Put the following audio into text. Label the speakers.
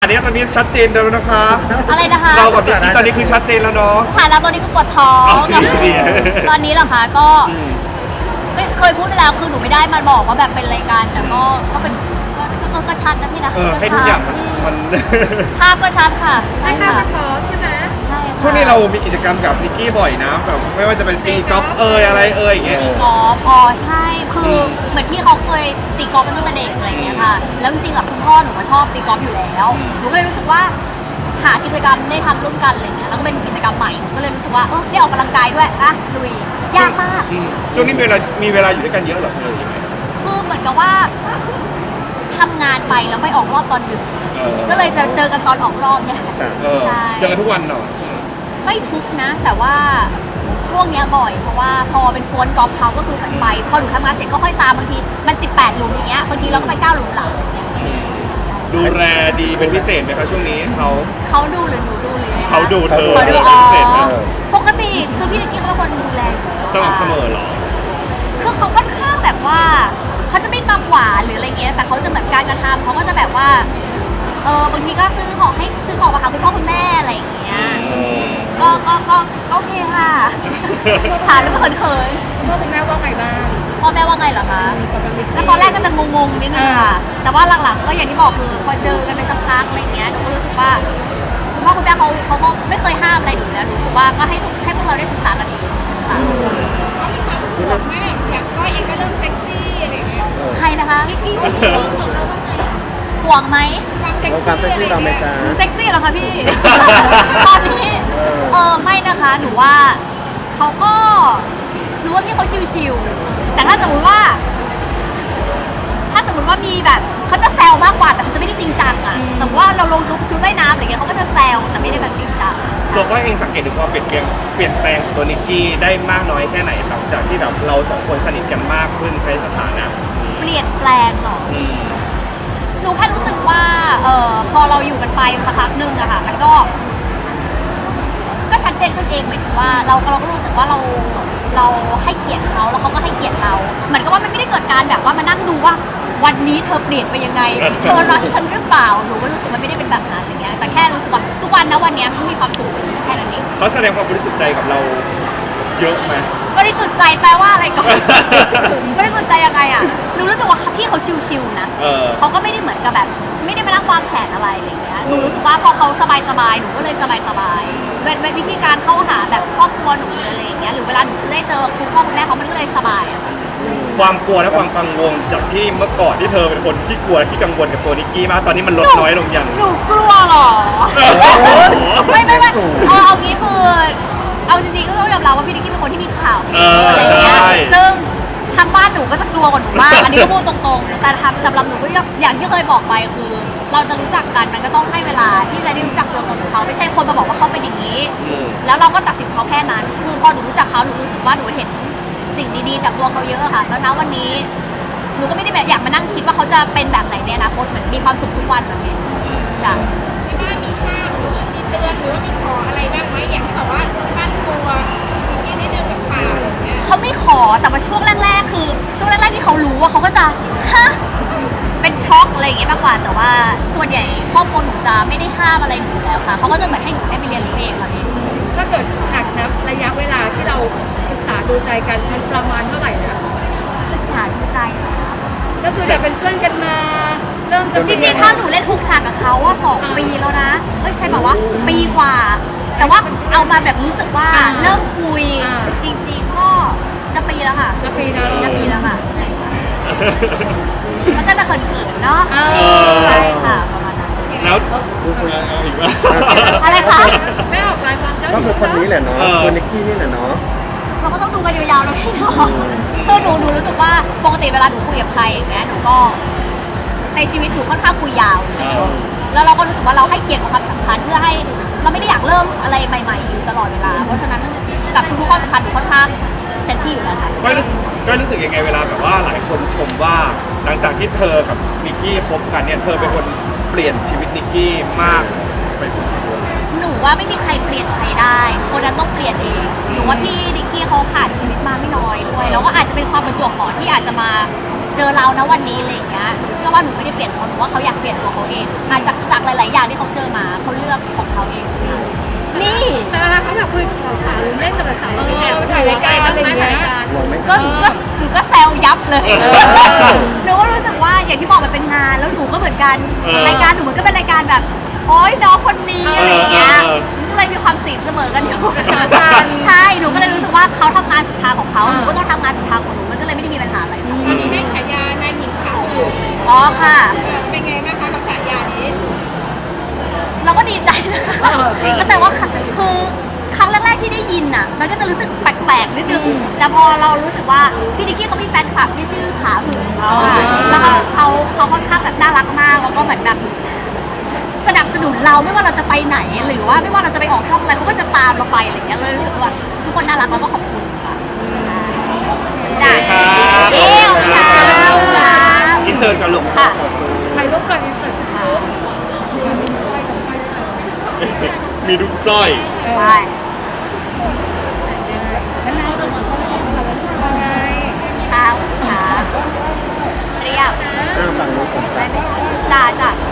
Speaker 1: นี้ตอนนี้ชัดเจนแล้วนะคะ
Speaker 2: อะไรนะคะ
Speaker 1: เรากับนิกกี้ตอนนี้คือชัดเจนแล้วเนาะ
Speaker 2: สถานะตอนนี้คือปวดท้อง
Speaker 1: ดี
Speaker 2: ตอนนี้เหรอคะก็เคยพูดไปแล้วคือหนูไม่ได้มาบอกว่าแบบเป็นรายการแต่ก็เป็นก็ชัดนะพี่นะก็
Speaker 1: ให้
Speaker 2: ชั
Speaker 1: ทุกอย่างมัน
Speaker 2: ภาพก็ชัดค่ะใช่
Speaker 3: ใช่ค่ะ
Speaker 2: ค่ะ
Speaker 3: ท้องใช่ไหม
Speaker 2: ใช่ค่ะ
Speaker 1: ช่วงนี้เรามีกิจกรรมกับนิกกี้บ่อยนะแบบไม่ว่าจะเป็นตีกอล์ฟอะไรอย่างเงี้ย
Speaker 2: ตีกอล์ฟอ๋อใช่คือเหมือนพี่เขาเคยตีกอล์ฟเป็นตั้งแต่เด็กอะไรอย่างเงี้ยค่ะแล้วจริงๆกับคุณพ่อหนูก็ชอบตีกอล์ฟอยู่แล้วหนูก็เลยรู้สึกว่าหากิจกรรมได้ทำร่วมกันอะไรเงี้ยแล้วก็เป็นกิจกรรมใหม่ก็เลยรู้สึกว่าได้ออกกำลังกายด้วยอะลุยยากมาก
Speaker 1: ช่วงนี้มีเวลาอยู่ด้วยกันเยอะเหรอเลยยังไง
Speaker 2: คือเหมือนกับว่าทำงานไปแล้วไม่ออกรอบตอนดึกก็เลยจะเจอกันตอนออกรอบเนี่ยค่ะใช่
Speaker 1: เจอกันทุกวันเหรอ
Speaker 2: ไม่ทุกนะ แต่ว่าช่วงเนี้ยบ่อยเพราะว่าพอเป็นกวนกอล์ฟเขาก็คือเหมือนไปพอหนูทำงานเสร็จก็ค่อยตามบางทีมัน18หลุมอย่างเงี้ยบางทีเราก็ไป9หลุมหลังอย่างเงี้ย
Speaker 1: ดูแลดีเป็นพิเศษไหมคะช่วงนี้
Speaker 2: เขาดูหรือหนูดูเลยนะคะ
Speaker 1: เขาดูเธอ
Speaker 2: เขาดู
Speaker 1: เป็นพิเศษไหม
Speaker 2: ปกติคือพี่นิกกี้เขาเป็นคนดูแลอยู่
Speaker 1: สม่ำเสมอเหรอ
Speaker 2: คือเขาค่อนข้างแบบว่าเขาจะไม่มาหวานหรืออะไรเงี้ยแต่เขาจะเหมือนการกระทำเขาก็จะแบบว่าบางทีก็ซื้อของมาหาคุณพ่อคุณแม่อะไรอย่างเงี้ยก็โอเคค่ะถามแล้วก็เขิน
Speaker 3: พ่อคุณแม่ว่าไงบ้าง
Speaker 2: ๆพ่อแม่ว่าไงเหรอคะ
Speaker 3: สำหรับนิกกี้
Speaker 2: ก็ตอนแรกก็จะงงๆนิดนึงค่ะ แต่ว่าหลังๆก็อย่างที่บอกคือพอเจอกันไปสักพักอะไรเงี้ยหนูก็รู้สึกว่าคุณพ่อคุณแม่เขาก็ไม่เคยห้ามอะไรหนูนะหนูรู้สึกว่าก็ให้พวกเราได้ศึกษากันเองค่ะ
Speaker 3: ห่วงไหมแบบอย่างก้อยเองก็เริ่มเซ็กซี่อะไรอย่างเงี้ย
Speaker 2: ใครนะคะ
Speaker 3: นิกกี้ก็ห่วงเราบ้างไหม
Speaker 2: ห่วงไหม
Speaker 3: ความเซ็กซี่อะไรอย่างเงี้ย
Speaker 2: หนูเซ็กซี่เหรอคะพี่ ตอนนี้ไม่นะคะหนูว่าเขาก็รู้ว่าพี่เขาชิวๆแต่ถ้าสมมติว่ามีแบบเขาจะแซวมากกว่าแต่เขาจะไม่ได้จริงจังอะสมมติว่าเราลงชุดว่ายน้ำอะไรเงี้ยเขาก็จะแซวแต่ไม่ได้แบบจริงจัง
Speaker 1: ตัวก็เองสังเกตถึงความเปลี่ยนแปลงของตัวนิกกี้ได้มากน้อยแค่ไหนครับจากที่แบบเราสองคนสนิทกันมากขึ้นใช้สถานะ
Speaker 2: เปลี่ยนแปลงเหรอหนูแค่รู้สึกว่าพอเราอยู่กันไปสักพักหนึ่งอะค่ะมันก็ชัดเจนขึ้นเองหมายถึงว่าเราก็รู้สึกว่าเราให้เกียรติเขาแล้วเขาก็ให้เกียรติเราเหมือนกับว่ามันไม่ได้เกิดการแบบว่ามานั่งดูว่าวันนี้เธอเปลี่ยนไปยังไงเธอรักฉันหรือเปล่าหนูก็รู้สึกมันไม่ได้เป็นแบบนั้นอะไรเงี้ยแต่แค่รู้สึกว่าทุกวันนะวันนี้มันมีความสุขแค่นั้นเอง
Speaker 1: เขาแสดงความบริสุทธิ์ใจกับเราเยอะไหม
Speaker 2: บริสุทธิ์ใจแปลว่าอะไรก่อน บริสุทธิ์ใจยังไงอะหนูรู้สึกว่าพี่เขาชิวๆนะเขาก็ไม่ได้เหมือนกับแบบไม่ได้มานั่งวางแผนอะไรอะไรเงี้ยหนูรู้สึกว่าพอเขาสบายๆหนูก็เลยสบายๆเป็นวิธีการเข้าหาแบบครอบครัวหนูอะไรอย่างเงี้ยหรือเวลาหนูจะได้เจอคุณพ่อคุณแม่เขามันก็เลยสบายอะ
Speaker 1: ความกลัวและความกังวลจากที่เมื่อก่อนที่เธอเป็นคนที่กลัวที่กังวลกับตัวนิกกี้มากตอนนี้มันลดน้อยลงอย่าง
Speaker 2: หนูกลัวเหรอ ไม่เอางี้คือเอาจริงๆก็ต้องยอมรับว่าพี่นิกกี้เป็นคนที่มีข่าวอะไรอย่างเงี้ยซึ่งทางบ้านหนูก็จะกลัวกว่าหนูมากอันนี้ก็พูดตรงๆแต่สำหรับหนูก็อย่างที่เคยบอกไปคือ เราจะรู้จักกันมันก็ต้องให้เวลาที่จะได้รู้จักตัวตนของเขาไม่ใช่คนมาบอกว่าเขาเป็นอย่างนี้แล้วเราก็ตัดสินเขาแค่นั้นคือพอหนูรู้จักเขาหนูรู้สึกว่าหนูเห็นสิ่งดีๆจากตัวเขาเยอะค่ะแล้วณวันนี้หนูก็ไม่ได้แบบอยากมานั่งคิดว่าเขาจะเป็นแบบไหนในอนาคตเหมือนมีความสุขทุกวันแบบนี้จ้ะ
Speaker 3: ที่บ้านมีห้ามหรือว่ามีเตือนหรือว่ามีขออะไรบ้างไหมอย่างที่บอกว่าที่บ้านกลัวนิกกี้นิดนึงกับข่าวอะไรอย่างเงี้ย
Speaker 2: เขาไม่ขอแต่ว่าช่วงแรกๆคือช่วงแรกๆที่เขารู้ว่าเขาก็จะฮะเป็นช็อกอะไรอย่างเงี้ยมากกว่าแต่ว่าส่วนใหญ่ครอบครัวหนูจะไม่ได้ห้ามอะไรหนูอยู่แล้วค่ะเขาก็จะเหมือนให้หนูได้ไปเรียนรู้เองค่ะพี่
Speaker 3: ถ้าเกิดหากนับระยะเวลาที่เราศึกษาดูใจกันมันประมาณเท่าไหร่นะ
Speaker 2: ศึกษาดูใจเหรอคะ
Speaker 3: ก็คือเดี๋ยวเป็นเพื่อนกันมาเริ่มจะ
Speaker 2: จริงๆถ้าหนูเล่น6ฉากกับเขาว่า2 ปีแล้วนะเอ้ยใช่บอกว่าปีกว่า แต่ว่าเอามาแบบรู้สึกว่าเริ่มคุยจริงๆก็จะปีแล้วค่ะ
Speaker 3: จะปีนะ
Speaker 2: จะปีแล้วค่ะใช่ค่ะมันก็จะเขินๆเนาะ
Speaker 3: เออ
Speaker 2: ใช่ค่ะประมาณนั้น
Speaker 1: แล้วดูคนอีกว่า
Speaker 2: อะไรคะ
Speaker 3: ไม่ออกรายความเจ้า
Speaker 4: ก็คือคนนี้แหละเนาะ
Speaker 1: เออ
Speaker 4: คนนิกกี้นี่แหละเนาะ
Speaker 2: เราก็ต้องดูกันยาวๆนะพี่เนาะคือหนูรู้สึกว่าปกติเวลาหนูคุยกับใครอย่างเงี้ยหนูก็ในชีวิตหนูค่อนข้างคุยยาว แล้วเราก็รู้สึกว่าเราให้เกียรติกับความสัมพันธ์เพื่อให้เราไม่ได้อยากเริ่มอะไรใหม่ๆอยู่ตลอดเวลา เพราะฉะนั้นกับทุกๆความสัมพันธ์หนูค่อนข้างเต็มที่อยู่แล้วค่ะ
Speaker 1: ก็รู้สึกยังไงเวลาแบบว่าหลายคนชมว่าหลังจากที่เธอกับนิกกี้คบกันเนี่ยเธอเป็นคนเปลี่ยนชีวิตนิกกี้มากไปกว่า
Speaker 2: หนูว่าไม่มีใครเปลี่ยนใครได้คนนั้นต้องเปลี่ยนเองหนูว่าพี่ดิกกี้เขาผ่านชีวิตมาไม่น้อยด้วยแล้วก็อาจจะเป็นความประจวบเหมาะที่อาจจะมาเจอเรานะวันนี้อะไรอย่างเงี้ยหนูเชื่อว่าหนูไม่ได้เปลี่ยนเขาหนูว่าเขาอยากเปลี่ยนตัวเขาเองมาจากหลายๆอย่างที่เขาเจอมาเขาเลือกของเขาเองนี่
Speaker 3: แต่เวลาเขาแบบคุยกับสาวหรือเล่นกับสาวแอบถ่ายรายการอะไรอย่างเงี้ย
Speaker 2: ก็หนูก็แซวยับเลยหนูก็รู้สึกว่าอย่างที่บอกมันเป็นงานแล้วหนูก็เหมือนกันรายการหนูมันก็เป็นรายการแบบโอ๊ยน้องคนนี้อะไรอย่างเงี้ยมันก็เลยมีความสินเสมอกันอยู่ใช่หนูก็เลยรู้สึกว่าเขาทำงานสุดท้ายของเขาหนูก็ต้องทำงานสุดท้ายของหนูมันก็เลยไม่ได้มีปัญหาอะไรค่ะ
Speaker 3: ตอนนี้ได้ฉายานายหญิงขาว
Speaker 2: อ๋อค่ะ
Speaker 3: เป็นไงบ้างคะกับฉายานี้
Speaker 2: เราก็ดีใจนะคะแต่ว่าคือครั้งแรกๆที่ได้ยินอ่ะมันก็จะรู้สึกแปลกๆนิดนึงแต่พอเรารู้สึกว่าพี่นิกกี้เขามีแฟนคลับที่ชื่อขาหึงแล้วก็เขาค่อนข้างแบบน่ารักมากแล้วก็เหมือนแบบสนับสนุนเราไม่ว่าเราจะไปไหนหรือว่าไม่ว่าเราจะไปออกช่องอะไรเขาก็จะตามเราไปอะไรอย่างเงี้ยเลยรู้สึกว่าทุกคนน่ารักแล้วก็ขอบคุณค่ะจ้าเอ้วค่ะ
Speaker 1: อินเสิร์ตกันลูก
Speaker 2: ค่ะ
Speaker 3: ถ่ายรูปก่อนอินเสิร์ตชุด
Speaker 1: มีลูกสร้อย
Speaker 2: ใช่
Speaker 3: แล้วนายจะมาว่าไง
Speaker 2: ข้าวขาเรียบ
Speaker 4: ฝั่งนู้นผม
Speaker 2: ได้ไหมจ้า